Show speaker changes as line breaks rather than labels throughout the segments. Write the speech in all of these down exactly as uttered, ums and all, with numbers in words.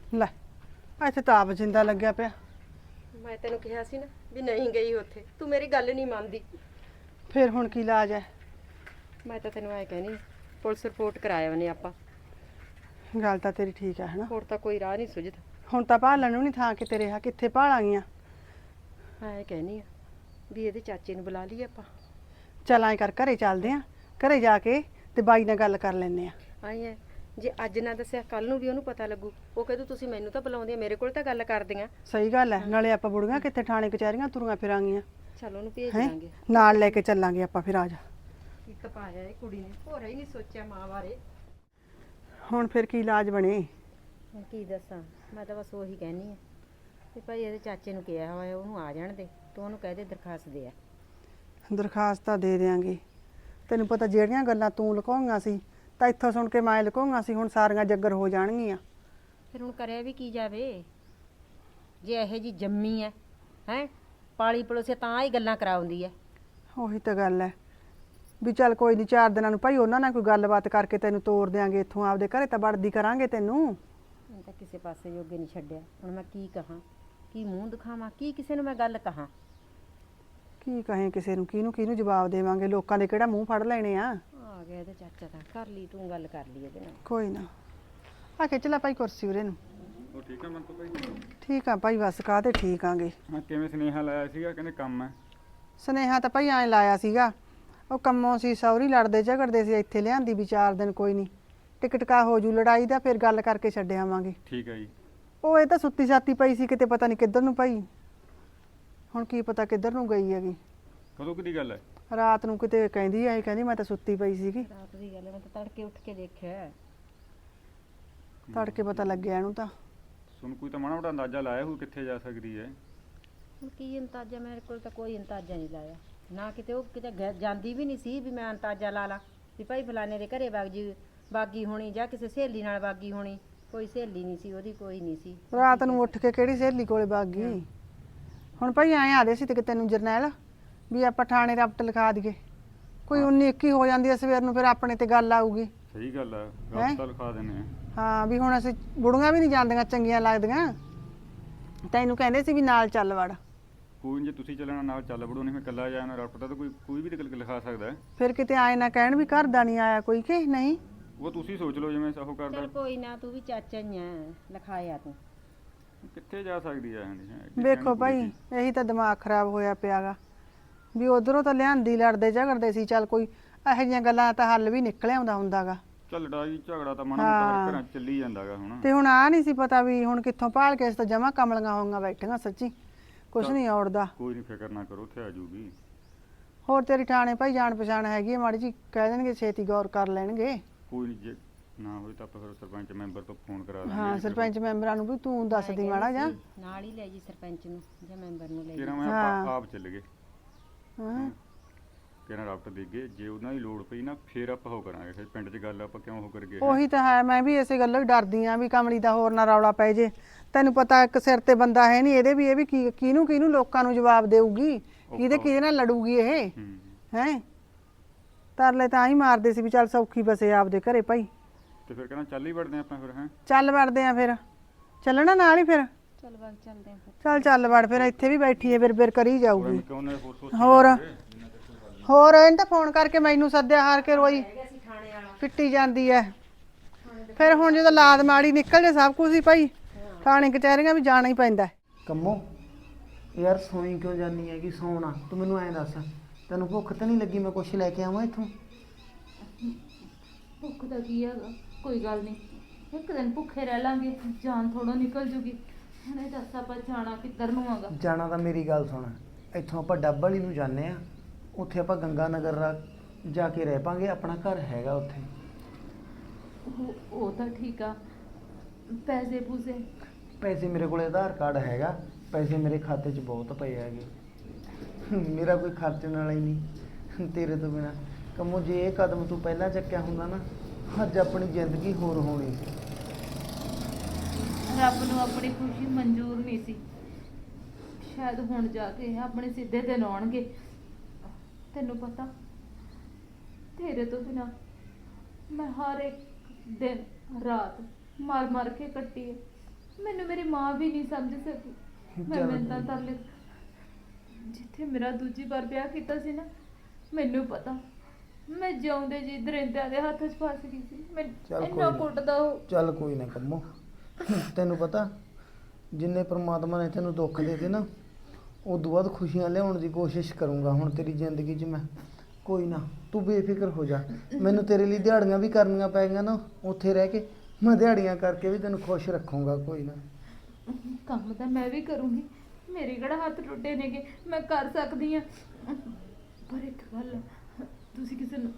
ਲੈ ਇੱਥੇ ਤਾਂ ਆਪ ਜਿੰਦਾ ਲੱਗਿਆ ਪਿਆ।
ਮੈਂ ਤੈਨੂੰ ਕਿਹਾ ਸੀ ਨਾ ਵੀ ਨਹੀਂ ਗਈ ਉੱਥੇ, ਤੂੰ ਮੇਰੀ ਗੱਲ ਨਹੀਂ ਮੰਨਦੀ।
ਫਿਰ ਹੁਣ ਕੀ ਇਲਾਜ ਹੈ?
ਮੈਂ ਤਾਂ ਤੈਨੂੰ ਐ ਕਹਿਨੀ ਪੁਲਿਸ ਰਿਪੋਰਟ ਕਰਾਇਆ ਉਹਨੇ ਆਪਾਂ।
ਗੱਲ ਤਾਂ ਤੇਰੀ ਠੀਕ ਹੈ ਹਨਾ।
ਹੋਰ ਤਾਂ ਕੋਈ ਰਾਹ ਨਹੀਂ ਸੁਝਦਾ।
ਹੁਣ ਤਾਂ ਭਾਲਣ ਨੂੰ ਨਹੀਂ ਥਾਂ ਕਿਤੇ ਰਿਹਾ, ਕਿੱਥੇ ਭਾਲਾਂਗੀਆਂ।
ਐ ਕਹਿਨੀ ਆ ਵੀ ਇਹਦੇ ਚਾਚੇ ਨੂੰ ਬੁਲਾ ਲਈਏ ਆਪਾਂ।
ਚੱਲ ਐਂ ਕਰ, ਘਰੇ ਚੱਲਦੇ ਆਂ, ਘਰੇ ਜਾ ਕੇ ਤੇ ਬਾਈ ਨਾਲ ਗੱਲ ਕਰ ਲੈਂਦੇ ਆ।
ਆਈ ਐ ਜੇ ਅੱਜ ਨਾ ਦੱਸਿਆ ਕੱਲ ਨੂੰ ਵੀ ਉਹਨੂੰ ਪਤਾ ਲੱਗੂ, ਉਹ ਕਹਦੂ ਤੁਸੀਂ ਮੈਨੂੰ ਤਾਂ ਬੁਲਾਉਂਦੇ, ਮੇਰੇ ਕੋਲ ਤਾਂ ਗੱਲ ਕਰਦੀਆਂ।
ਸਹੀ ਗੱਲ ਹੈ, ਨਾਲੇ ਆਪਾਂ ਬੁੜੀਆਂ ਕਿੱਥੇ ਥਾਣੇ ਕਚਹਿਰੀਆਂ ਤੁਰੀਆਂ ਫਿਰਾਂਗੀਆਂ।
ਚਲ ਉਹਨੂੰ ਭੇਜ
ਹੈਂ
ਦਾਂਗੇ,
ਨਾਲ ਲੈ ਕੇ ਚੱਲਾਂਗੇ ਆਪਾਂ। ਫਿਰ ਆ ਜਾ।
ਕੀ ਤਪਾਇਆ ਇਹ ਕੁੜੀ ਨੇ, ਹੋਰਾ ਹੀ ਨਹੀਂ ਸੋਚਿਆ ਮਾਂ ਬਾਰੇ।
ਹੁਣ ਫਿਰ ਕੀ ਇਲਾਜ ਬਣੇ?
ਹੁਣ ਕੀ ਦੱਸਾਂ, ਮੈਂ ਤਾਂ ਬਸ ਉਹੀ ਕਹਿਨੀ ਆ ਵੀ ਭਾਈ ਇਹਦੇ ਚਾਚੇ ਨੂੰ ਕਿਹਾ ਹੋਇਆ ਉਹਨੂੰ ਆ ਜਾਣ ਦੇ, ਤੂੰ ਉਹਨੂੰ ਕਹਿ ਦੇ ਦਰਖਾਸਤ ਦੇ ਆ।
ਦਰਖਾਸਤ ਤਾਂ ਦੇ ਦਿਆਂਗੇ। ਤੈਨੂੰ ਪਤਾ ਜਿਹੜੀਆਂ ਗੱਲਾਂ ਤੂੰ ਲੁਕਾਉਣੀਆਂ ਸੀ ਤਾਂ ਇੱਥੋਂ ਸੁਣ ਕੇ ਮੈਂ ਲੁਕਾਉਣੀਆਂ ਸੀ, ਹੁਣ ਸਾਰੀਆਂ ਜੱਗਰ ਹੋ ਜਾਣਗੀਆਂ।
ਫਿਰ ਹੁਣ ਕਰਿਆ ਵੀ ਕੀ ਜਾਵੇ, ਜੇ ਇਹੋ ਜੀ ਜੰਮੀ ਐ ਹੈ ਪਾਲੀ ਪਲੋਸੇ ਤਾਂ ਹੀ ਗੱਲਾਂ ਕਰਾਉਂਦੀ ਐ।
ਉਹੀ ਤਾਂ ਗੱਲ ਹੈ ਵੀ ਚੱਲ ਕੋਈ ਨਹੀਂ, ਚਾਰ ਦਿਨਾਂ ਨੂੰ ਭਾਈ ਉਹਨਾਂ ਨਾਲ ਕੋਈ ਗੱਲਬਾਤ ਕਰਕੇ ਤੈਨੂੰ ਤੋਰ ਦਿਆਂਗੇ ਇੱਥੋਂ, ਆਪਦੇ ਘਰੇ ਤਾਂ ਵੜਦੀ ਕਰਾਂਗੇ ਤੈਨੂੰ।
ਮੈਂ ਤਾਂ ਕਿਸੇ ਪਾਸੇ ਜੋਗੇ ਨਹੀਂ ਛੱਡਿਆ, ਹੁਣ ਮੈਂ ਕੀ ਕਹਾਂ, ਕੀ ਮੂੰਹ ਦਿਖਾਵਾਂ, ਕੀ ਕਿਸੇ ਨੂੰ ਮੈਂ ਗੱਲ ਕਹਾਂ।
ਕੀ ਕਹੇ ਕਿਸੇ ਨੂੰ, ਕਿਹਨੂੰ ਕਿਹਨੂੰ ਜਵਾਬ ਦੇਵਾਂਗੇ, ਲੋਕਾਂ ਦੇ ਕਿਹੜਾ ਮੂੰਹ ਫੜ ਲੈਣੇ ਆ।
ਆ ਗਿਆ ਇਹਦਾ ਚਾਚਾ ਤਾਂ, ਕਰ ਲਈ ਤੂੰ ਗੱਲ, ਕਰ ਲਈ ਇਹਦੇ ਨਾਲ।
ਕੋਈ ਨਾ, ਆ ਖਿੱਚ ਲੈ ਭਾਈ ਕੁਰਸੀ ਉਰੇ ਨੂੰ।
ਉਹ ਠੀਕ ਆ ਮੰਤੂ ਭਾਈ?
ਠੀਕ ਆ ਭਾਈ, ਬਸ ਕਾਹਤੇ ਠੀਕ ਆਂਗੇ।
ਹਾਂ, ਕਿਵੇਂ ਸੁਨੇਹਾ ਲਾਇਆ ਸੀਗਾ, ਕਹਿੰਦੇ ਕੰਮ ਹੈ?
ਸੁਨੇਹਾ ਤਾਂ ਭਾਈ ਐਂ ਲਾਇਆ ਸੀਗਾ, ਉਹ ਕੰਮੋਂ ਸੀ ਸੌਰੀ ਲੜਦੇ ਝਗੜਦੇ ਸੀ, ਇੱਥੇ ਲਿਆਂਦੀ ਵੀ ਚਾਰ ਦਿਨ ਕੋਈ ਨਹੀਂ ਟਿਕਟਕਾ ਹੋ ਜੂ ਲੜਾਈ ਦਾ, ਫਿਰ ਗੱਲ ਕਰਕੇ ਛੱਡ ਆਵਾਂਗੇ।
ਠੀਕ ਹੈ ਜੀ।
ਉਹ ਇਹ ਤਾਂ ਸੁੱਤੀ ਸਾਤੀ ਪਈ ਸੀ ਕਿਤੇ, ਪਤਾ ਨਹੀਂ ਕਿੱਧਰ ਨੂੰ ਭਾਈ, ਹੁਣ ਕੀ ਪਤਾ ਕਿੱਧਰ ਨੂੰ ਗਈ ਹੈਗੀ।
ਕਦੋਂ ਕਿਹਦੀ ਗੱਲ ਹੈ?
ਰਾਤ ਨੂੰ ਕਿਤੇ ਕਹਿੰਦੀ ਆਈ, ਕਹਿੰਦੀ ਮੈਂ ਤਾਂ ਸੁੱਤੀ ਪਈ ਸੀਗੀ।
ਰਾਤ ਦੀ ਗੱਲ ਹੈ, ਮੈਂ ਤਾਂ ਤੜਕੇ ਉੱਠ ਕੇ ਦੇਖਿਆ।
ਤੜਕੇ ਪਤਾ ਲੱਗਿਆ ਇਹਨੂੰ ਤਾਂ।
ਸੁਣ, ਕੋਈ ਤਾਂ ਮਾੜਾ ਮੋਟਾ ਅੰਦਾਜ਼ਾ ਲਾਇਆ ਹੋਊ ਕਿੱਥੇ ਜਾ ਸਕਦੀ ਹੈ?
ਹੁਣ ਕੀ ਅੰਦਾਜ਼ਾ, ਮੇਰੇ ਕੋਲ ਤਾਂ ਕੋਈ ਅੰਦਾਜ਼ਾ ਨਹੀਂ ਲਾਇਆ ਨਾ, ਕਿਤੇ ਉਹ ਕਿਤੇ ਗ- ਜਾਂਦੀ ਵੀ ਨਹੀਂ ਸੀ ਵੀ ਮੈਂ ਅੰਦਾਜ਼ਾ ਲਾ ਲਾ ਵੀ ਭਾਈ ਫਲਾਣੇ ਦੇ ਘਰੇ ਵਗ ਜੀ ਬਾਗੀ ਹੋਣੀ ਜਾਂ ਕਿਸੇ ਸਹੇਲੀ ਨਾਲ ਬਾਗੀ ਹੋਣੀ। ਕੋਈ ਸਹੇਲੀ ਨਹੀਂ ਸੀ ਉਹਦੀ, ਕੋਈ ਨਹੀਂ ਸੀ।
ਰਾਤ ਨੂੰ ਉੱਠ ਕੇ ਕਿਹੜੀ ਸਹੇਲੀ ਕੋਲੇ ਵਗ ਗਈ। ਹੁਣ ਭਾਈ ਐਂ ਆਦੇ ਸੀ ਤੇ ਕਿ ਤੈਨੂੰ ਜਰਨੈਲ ਵੀ ਆਪਾਂ ਥਾਣੇ ਰਪਟ ਲਿਖਾ ਦਈਏ, ਕੋਈ ਉੱਨੀ ਇੱਕੀ ਹੋ ਜਾਂਦੀ ਐ ਸਵੇਰ ਨੂੰ, ਫਿਰ ਆਪਣੇ ਤੇ ਗੱਲ ਆਊਗੀ।
ਸਹੀ ਗੱਲ ਹੈ, ਗੱਲ ਤਾਂ ਲਿਖਾ ਦਿੰਦੇ ਆ।
ਹਾਂ ਵੀ ਹੁਣ ਅਸੀਂ ਬੁੜੀਆਂ ਵੀ ਨਹੀਂ ਜਾਂਦੀਆਂ ਚੰਗੀਆਂ ਲੱਗਦੀਆਂ, ਤੈਨੂੰ ਕਹਿੰਦੇ ਸੀ ਵੀ ਨਾਲ ਚੱਲ ਵੜ।
ਕੋਈ ਨੀ, ਜੇ ਤੁਸੀਂ ਚੱਲਣਾ ਨਾਲ ਚੱਲ ਵੜੋ, ਨਹੀਂ ਮੈਂ ਇਕੱਲਾ ਜਾਣਾ ਰਫਟ ਦਾ ਤਾਂ ਕੋਈ ਕੋਈ ਵੀ ਨਿਕਲ ਕੇ ਲਿਖਾ ਸਕਦਾ ਹੈ।
ਫਿਰ ਕਿਤੇ ਆਏ ਨਾ ਕਹਿਣ ਵੀ ਘਰ ਦਾ ਨਹੀਂ ਆਇਆ ਕੋਈ, ਕਿ ਨਹੀਂ।
ਉਹ ਤੁਸੀਂ ਸੋਚ ਲਓ ਜਿਵੇਂ ਉਹ ਕਰਦਾ।
ਚਲ ਕੋਈ ਨਾ, ਤੂੰ ਵੀ ਚਾਚਾ ਹੀ ਆ, ਲਿਖਾਇਆ ਤੂੰ।
ਕਿੱਥੇ ਜਾ ਸਕਦੀ ਹੈ?
ਵੇਖੋ ਭਾਈ ਇਹੀ ਤਾਂ ਦਿਮਾਗ ਖਰਾਬ ਹੋਇਆ ਪਿਆਗਾ ਵੀ ਉਧਰੋਂ ਤਾਂ ਲਿਆਂਦੀ ਲੜਦੇ ਝਗੜਦੇ ਸੀ, ਚੱਲ ਕੋਈ ਇਹੋ ਜਿਹੀਆਂ ਗੱਲਾਂ ਤਾਂ ਹੱਲ ਵੀ ਨਿਕਲ ਆਉਂਦਾ ਹੁੰਦਾਗਾ।
ਚੱਲ ਲੜਾਈ ਝਗੜਾ ਤਾਂ ਮਾੜਾ ਮੋਟਾ ਹਰ ਘਰਾਂ 'ਚ ਚੱਲੀ ਜਾਂਦਾਗਾ ਹੁਣ।
ਤੇ ਹੁਣ ਆ ਨਹੀਂ ਸੀ ਪਤਾ ਵੀ ਹੁਣ ਕਿੱਥੋਂ ਭਾਲ ਕੇ ਇਸ ਤਾਂ ਜਮਾ ਕਮਲੀਆਂ ਹੋਈਆਂ ਬੈਠੀਆਂ, ਸੱਚੀ ਕੁਛ ਨਹੀਂ ਔੜਦਾ।
ਕੋਈ ਨਹੀਂ, ਫਿਕਰ ਨਾ ਕਰੋ, ਉੱਥੇ ਆ ਜਾਊਗੀ।
ਹੋਰ ਤੇਰੀ ਠਾਣੇ ਭਾਈ ਜਾਣ ਪਛਾਣ ਹੈਗੀ ਹੈ ਮਾੜੀ ਜੀ, ਕਹਿ ਦੇਣਗੇ ਛੇਤੀ ਗੌਰ ਕਰ ਲੈਣਗੇ।
ਕੋਈ ਨਹੀਂ, ਜੇ ਨਾ ਹੋਈ ਤਾਂ ਆਪਾਂ ਫਿਰ ਸਰਪੰਚ ਮੈਂਬਰ ਤੋਂ ਫੋਨ ਕਰਾ ਦਾਂਗੇ।
ਹਾਂ ਸਰਪੰਚ ਮੈਂਬਰਾਂ ਨੂੰ ਵੀ ਤੂੰ ਦੱਸਦੀ ਮਾੜਾ ਜਾ,
ਨਾਲ ਹੀ ਲੈ ਜੀ ਸਰਪੰਚ ਨੂੰ ਜਾਂ ਮੈਂਬਰ ਨੂੰ ਲੈ ਜੀ।
ਕਿਹੜਾ ਮੈਂ
ਹਾਂ।
ਆਪਾਂ ਆਪ ਚੱਲ ਗਏ,
ਹਾਂ
ਕਿਹੜਾ ਰਫਟ ਦੇ ਗਏ, ਜੇ ਉਹਨਾਂ ਦੀ ਲੋੜ ਪਈ ਨਾ ਫਿਰ ਆਪਾਂ ਉਹ ਕਰਾਂਗੇ। ਫਿਰ ਪਿੰਡ 'ਚ ਗੱਲ ਆਪਾਂ ਕਿਉਂ ਉਹ ਕਰਗੇ?
ਉਹੀ ਤਾਂ ਹੈ, ਮੈਂ ਵੀ ਇਸੇ ਗੱਲੋਂ ਹੀ ਡਰਦੀ ਆਂ ਵੀ ਕਮਲੀ ਦਾ ਹੋਰ ਨਾ ਰੌਲਾ ਪੈ ਜੇ। ਤੈਨੂੰ ਪਤਾ ਇੱਕ ਸਿਰ ਤੇ ਬੰਦਾ ਹੈ ਨਹੀਂ ਇਹਦੇ ਵੀ, ਇਹ ਵੀ ਕੀ ਕਿਹਨੂੰ ਕਿਹਨੂੰ ਲੋਕਾਂ ਨੂੰ ਜਵਾਬ ਦੇਊਗੀ, ਕਿਹਦੇ ਕਿਹਦੇ ਨਾਲ ਲੜੂਗੀ ਇਹ
ਹੂੰ।
ਹੈ। ਤਰਲੇ ਤਾਂ ਹੀ ਮਾਰਦੇ ਸੀ ਵੀ ਚੱਲ ਸੌਖੀ ਬਸੇ ਆਪਦੇ ਘਰੇ ਭਾਈ।
ਤੇ ਫਿਰ ਕਹਿੰਦਾ ਚੱਲ ਹੀ ਵੜਦੇ ਆਪਾਂ ਫਿਰ। ਹੈ
ਚੱਲ ਵੜਦੇ ਆ ਫਿਰ, ਚੱਲਣਾ ਨਾਲ ਹੀ ਫਿਰ।
ਚੱਲ ਬਾਗ ਚੱਲਦੇ ਆਂ ਫਿਰ।
ਚੱਲ ਚੱਲ ਵੜ ਫਿਰ, ਇੱਥੇ ਵੀ ਬੈਠੀ ਹੈ ਬਿਰ ਬਿਰ ਕਰੀ ਜਾਊਗੀ।
ਕਿਉਂ ਨਾ ਹੋਰ ਸੋਚ
ਹੋਰ ਹੋਰ ਇਹਨੇ ਤਾਂ ਫੋਨ ਕਰਕੇ ਮੈਨੂੰ ਸੱਦਿਆ, ਹਾਰ ਕੇ ਰੋਈ ਪਿੱਟੀ ਜਾਂਦੀ ਐ। ਫਿਰ ਹੁਣ ਜਦੋਂ ਲਾਦ ਮਾੜੀ ਨਿਕਲ ਜੇ ਸਭ ਕੁਝ ਹੀ ਭਾਈ, ਥਾਣੇ ਕਚਹਿਰੀਆਂ ਵੀ ਜਾਣਾ ਹੀ ਪੈਂਦਾ।
ਕੰਮੋ ਯਾਰ ਸੋਈ ਕਿਉਂ ਜਾਨੀ ਹੈਗੀ? ਸੌਣਾ ਤੂੰ ਮੈਨੂੰ ਐਂ ਦੱਸ, ਤੈਨੂੰ ਭੁੱਖ ਤਾਂ ਨਹੀਂ ਲੱਗੀ? ਮੈਂ ਕੁਛ ਲੈ ਕੇ ਆਵਾਂ ਇੱਥੋਂ?
ਭੁੱਖ ਦਾ ਕੀ ਹੈਗਾ, ਕੋਈ ਗੱਲ ਨਹੀਂ, ਇੱਕ ਦਿਨ ਭੁੱਖੇ ਰਹਿ ਲਾਂਗੇ, ਜਾਨ ਥੋੜੋ ਨਿਕਲ ਜੂਗੀ। ਹੁਣ ਇਹ ਦੱਸ ਆਪਾਂ ਜਾਣਾ ਕਿੱਧਰ ਨੂੰ ਹੈਗਾ?
ਜਾਣਾ ਤਾਂ ਮੇਰੀ ਗੱਲ ਸੁਣ, ਇੱਥੋਂ ਆਪਾਂ ਡੱਬ ਵਾਲੀ ਨੂੰ ਜਾਂਦੇ ਆ, ਉੱਥੇ ਆਪਾਂ ਗੰਗਾ ਨਗਰ ਜਾ ਕੇ ਰਹਿ ਪਾਂਗੇ, ਆਪਣਾ ਘਰ ਹੈਗਾ ਉੱਥੇ।
ਉਹ ਉਹ ਤਾਂ ਠੀਕ ਆ, ਪੈਸੇ ਪੂਸੇ?
ਪੈਸੇ ਮੇਰੇ ਕੋਲ ਆਧਾਰ ਕਾਰਡ ਹੈਗਾ, ਪੈਸੇ ਮੇਰੇ ਖਾਤੇ 'ਚ ਬਹੁਤ ਪਏ ਹੈਗੇ, ਮੇਰਾ ਕੋਈ ਖਰਚਣ ਵਾਲਾ ਹੀ ਨਹੀਂ ਤੇਰੇ ਤੋਂ ਬਿਨਾ। ਕੰਮੋ ਜੇ ਇਹ ਕਦਮ ਤੂੰ ਪਹਿਲਾਂ ਚੱਕਿਆ ਹੁੰਦਾ ਨਾ, ਅੱਜ ਆਪਣੀ ਜ਼ਿੰਦਗੀ ਹੋਰ ਹੋਣੀ ਸੀ।
ਰੱਬ ਨੂੰ ਆਪਣੀ ਖੁਸ਼ੀ ਮਨਜ਼ੂਰ ਨਹੀਂ ਸੀ, ਸ਼ਾਇਦ ਹੁਣ ਜਾ ਕੇ ਆਪਣੇ ਸਿੱਧੇ ਦਿਨ ਆਉਣਗੇ। ਤੈਨੂੰ ਪਤਾ ਤੇਰੇ ਤੋਂ ਬਿਨਾ ਮੈਂ ਹਰ ਇੱਕ ਦਿਨ ਰਾਤ ਮਰ ਮਰ ਕੇ ਕੱਟੀ ਹੈ। ਮੈਨੂੰ ਮੇਰੀ ਮਾਂ ਵੀ ਨਹੀਂ ਸਮਝ ਸਕੀ ਮੈਂ
ਚੱਲ
ਮਿੰਤਾਂ
ਕੋਈ
ਤਰਲੇ ਜਿੱਥੇ ਮੇਰਾ ਦੂਜੀ ਵਾਰ ਵਿਆਹ ਕੀਤਾ ਸੀ ਨਾ, ਮੈਨੂੰ ਪਤਾ ਮੈਂ ਜਿਉਂਦੇ ਜੀ ਦਰਿੰਦਿਆਂ ਦੇ ਹੱਥ 'ਚ ਫਸ ਗਈ ਸੀ। ਮੈਂ
ਚੱਲ ਕੋਈ
ਇੰਨਾ
ਨਾ।
ਕੁੱਟਦਾ ਉਹ।
ਚੱਲ ਕੋਈ ਨਾ ਕੰਮੋ, ਤੈਨੂੰ ਪਤਾ ਜਿੰਨੇ ਪ੍ਰਮਾਤਮਾ ਨੇ ਤੈਨੂੰ ਦੁੱਖ ਦੇ ਦੇ ਨਾ, ਉਦੋਂ ਬਾਅਦ ਖੁਸ਼ੀਆਂ ਲਿਆਉਣ ਦੀ ਕੋਸ਼ਿਸ਼ ਕਰੂੰਗਾ ਹੁਣ ਤੇਰੀ ਜ਼ਿੰਦਗੀ 'ਚ ਮੈਂ। ਕੋਈ ਨਾ ਤੂੰ ਬੇਫਿਕਰ ਹੋ ਜਾ। ਮੈਨੂੰ ਤੇਰੇ ਲਈ ਦਿਹਾੜੀਆਂ ਵੀ ਕਰਨੀਆਂ ਪੈਣਗੀਆਂ ਨਾ, ਉੱਥੇ ਰਹਿ ਕੇ ਮੈਂ ਦਿਹਾੜੀਆਂ ਕਰਕੇ ਵੀ ਤੈਨੂੰ ਖੁਸ਼ ਰੱਖੂੰਗਾ। ਕੋਈ ਨਾ
ਕੰਮ ਤਾਂ ਮੈਂ ਵੀ ਕਰੂੰਗੀ, ਮੇਰੇ ਕਿਹੜਾ ਹੱਥ ਟੁੱਟੇ ਨੇਗੇ, ਮੈਂ ਕਰ ਸਕਦੀ ਆ। ਪਰ ਇੱਕ ਗੱਲ ਆ, ਤੁਸੀਂ ਕਿਸੇ ਨੂੰ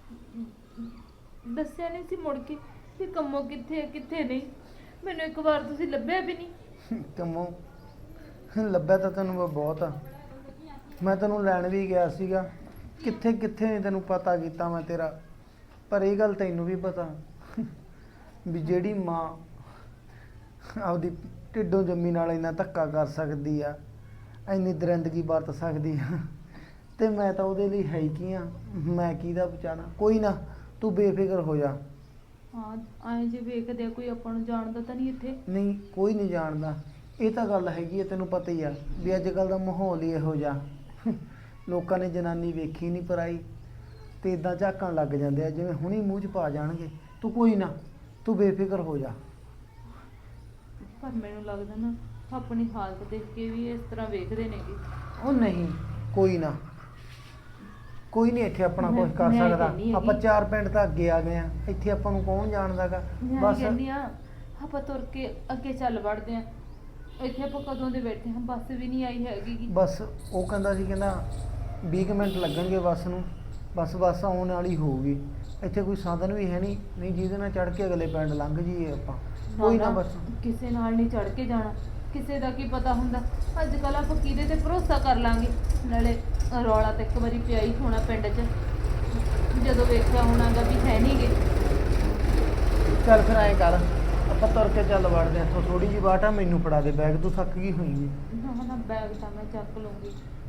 ਦੱਸਿਆ ਨਹੀਂ ਸੀ ਮੁੜ ਕੇ ਕਿ ਕੰਮੋ ਕਿੱਥੇ ਹੈ ਕਿੱਥੇ ਨਹੀਂ। ਮੈਨੂੰ ਇੱਕ ਵਾਰ ਤੁਸੀਂ ਲੱਭਿਆ ਵੀ ਨਹੀਂ।
ਕੰਮੋ ਲੱਭਿਆ ਤਾਂ ਤੈਨੂੰ ਮੈਂ ਬਹੁਤ ਆ, ਮੈਂ ਤੈਨੂੰ ਲੈਣ ਵੀ ਗਿਆ ਸੀਗਾ, ਕਿੱਥੇ ਕਿੱਥੇ ਨਹੀਂ ਤੈਨੂੰ ਪਤਾ ਕੀਤਾ ਮੈਂ ਤੇਰਾ। ਪਰ ਇਹ ਗੱਲ ਤੈਨੂੰ ਵੀ ਪਤਾ ਵੀ ਜਿਹੜੀ ਮਾਂ ਆਪਦੀ ਢਿੱਡੋਂ ਜੰਮੀ ਨਾਲ ਇੰਨਾ ਧੱਕਾ ਕਰ ਸਕਦੀ ਆ, ਇੰਨੀ ਦਰਿੰਦਗੀ ਵਰਤ ਸਕਦੀ ਆ, ਤੇ ਮੈਂ ਤਾਂ ਉਹਦੇ ਲਈ ਹੈ ਹੀ ਕੀ ਆ, ਮੈਂ ਕਿਹਦਾ ਬਚਾਣਾ। ਕੋਈ ਨਾ ਤੂੰ ਬੇਫਿਕਰ ਹੋ ਜਾ।
ਹਾਂ ਐਂ ਜੇ ਵੇਖਦੇ ਆ ਕੋਈ ਆਪਾਂ ਨੂੰ ਜਾਣਦਾ ਤਾਂ ਨਹੀਂ ਇੱਥੇ।
ਨਹੀਂ ਕੋਈ ਨਹੀਂ ਜਾਣਦਾ, ਇਹ ਤਾਂ ਗੱਲ ਹੈਗੀ ਹੈ, ਤੈਨੂੰ ਪਤਾ ਹੀ ਆ ਵੀ ਅੱਜ ਕੱਲ ਦਾ ਮਾਹੌਲ ਹੀ ਇਹੋ ਜਿਹਾ। ਲੋਕਾਂ ਨੇ ਜਨਾਨੀ ਵੇਖੀ ਨਹੀਂ ਪਰਾਈ ਤੇ ਇਦਾਂ ਝਾਕਣ ਲੱਗ ਜਾਂਦੇ ਆ ਜਿਵੇਂ ਹੁਣੀ ਮੂੰਹ 'ਚ ਪਾ ਜਾਣਗੇ। ਤੂੰ ਕੋਈ ਨਾ ਤੂੰ ਬੇਫਿਕਰ ਹੋ ਜਾ।
ਪਰ ਮੈਨੂੰ ਲੱਗਦਾ ਨਾ ਆਪਣੀ ਹਾਲਤ ਦੇਖ ਕੇ ਵੀ ਇਸ ਤਰ੍ਹਾਂ ਵੇਖਦੇ ਨੇਗੇ।
ਉਹ ਨਹੀਂ ਕੋਈ ਨਾ, ਕੋਈ ਨਹੀਂ ਇੱਥੇ ਆਪਣਾ
ਮੈਂ-
ਕੁਝ ਕਰ
ਮੈਂ
ਸਕਦਾ।
ਕਹਿੰਦੀ ਹੈਗੀ।
ਆਪਾਂ ਚਾਰ ਪਿੰਡ ਤਾਂ ਅੱਗੇ ਆ ਗਏ ਆ, ਇੱਥੇ ਆਪਾਂ ਨੂੰ ਕੌਣ ਜਾਣਦਾਗਾ।
ਮੈਂ
ਬਸ
ਕਹਿੰਦੀ ਆ ਆਪਾਂ ਤੁਰ ਕੇ ਅੱਗੇ ਚੱਲ ਵੜਦੇ ਆ। ਇੱਥੇ ਆਪਾਂ ਕਦੋਂ ਦੇ ਬੈਠੇ ਹਾਂ, ਬੱਸ ਵੀ ਨਹੀਂ ਆਈ ਹੈਗੀ ਗੀ।
ਬਸ ਉਹ ਕਹਿੰਦਾ ਸੀ, ਕਹਿੰਦਾ ਵੀਹ ਕੁ ਮਿੰਟ ਲੱਗਣਗੇ ਬੱਸ ਨੂੰ, ਬਸ ਬੱਸ ਆਉਣ ਵਾਲੀ ਹੋਊਗੀ। ਇੱਥੇ ਕੋਈ ਸਾਧਨ ਵੀ ਹੈ ਨਹੀਂ, ਨਹੀਂ ਜਿਹਦੇ ਨਾਲ ਚੜ੍ਹ ਕੇ ਅਗਲੇ ਪਿੰਡ ਲੰਘ ਜਾਈਏ ਆਪਾਂ। ਕੋਈ ਨਾ ਬਸ
ਕਿਸੇ ਨਾਲ ਨਹੀਂ ਚੜ ਕੇ ਜਾਣਾ, ਕਿਸੇ ਦਾ ਕੀ ਪਤਾ ਹੁੰਦਾ। ਅੱਜ ਕੱਲ ਆਪਾਂ ਕਿਹਦੇ ਤੇ ਭਰੋਸਾ ਕਰ ਲਾਂਗੇ। ਨਾਲੇ ਰੌਲਾ ਤਾਂ ਇੱਕ ਵਾਰੀ ਪਿਆ ਹੀ ਹੋਣਾ ਪਿੰਡ 'ਚ, ਜਦੋਂ ਵੇਖਿਆ ਹੋਣਾਗਾ ਵੀ ਹੈ ਨਹੀਂਗੇ।
ਚੱਲ ਫਿਰ ਐਂ ਕਰ, ਆਪਾਂ ਤੁਰ ਕੇ ਚੱਲ ਵੜਦੇ ਹਾਂ ਇੱਥੋਂ। ਥੋੜੀ ਜਿਹੀ ਬਾਟ ਆ, ਮੈਨੂੰ ਫੜਾ ਦੇ ਬੈਗ, ਤੂੰ ਥੱਕ ਗਈ ਹੋਈਂਗੀ।
ਨਾ ਨਾ ਬੈਗ ਤਾਂ ਮੈਂ ਚੱਕ ਲੂੰਗੀ।